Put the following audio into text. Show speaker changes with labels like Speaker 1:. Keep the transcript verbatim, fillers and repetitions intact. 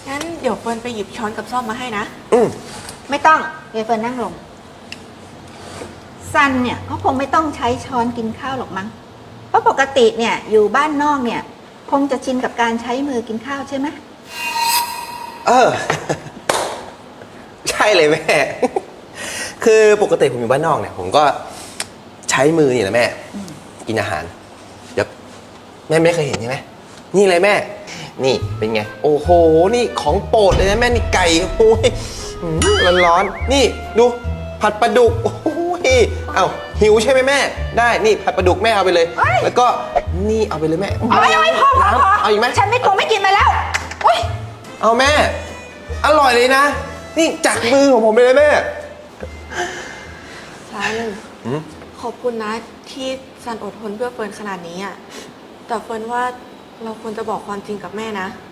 Speaker 1: งั้นเดี๋ยวเฟิร์นไปหยิบช้อนกับซ่อมมาให้นะ
Speaker 2: อืม
Speaker 3: ไม่ต้องยายเฟิร์นนั่งลงซันเนี่ยเขาคงไม่ต้องใช้ช้อนกินข้าวหรอกมั้งเพราะปกติเนี่ยอยู่บ้านนอกเนี่ยคงจะชินกับการใช้มือกินข้าวใช่ไหม
Speaker 2: เออ ใช่เลยแม่ คือปกติผมอยู่บ้านนอกเนี่ยผมก็ใช้มือนี่แหละแม่กินอาหารเดี๋ยวแม่ไม่เคยเห็นใช่ไหมนี่เลยแม่ นี่เป็นไงโอ้โหนี่ของโปรดเลยนะแม่นี่ไก่โอ้ยร้อนร้อนๆนี่ดูผัดปลาดุกโอ้ยเอ้าหิวใช่ไหมแม่ ได้นี่ผัดปลาดุกแม่เอาไปเลย แล้วก็นี่เอาไปเลยแม่
Speaker 3: เอาไปเอาไปพอพอพอ
Speaker 2: เอาอีกไหม
Speaker 3: ฉันไม่คงไม่กินมาแล้วโอ๊ย
Speaker 2: เอาแม่ อร่อยเลยนะ นี่จากมือของผมเลยแม่
Speaker 1: ซัน
Speaker 2: หืม
Speaker 1: ขอบคุณนะที่ซันอดทนเพื่อเฟิร์นขนาดนี้อ่ะ แต่เฟิร์นว่าเราควรจะบอกความจริงกับแม่นะ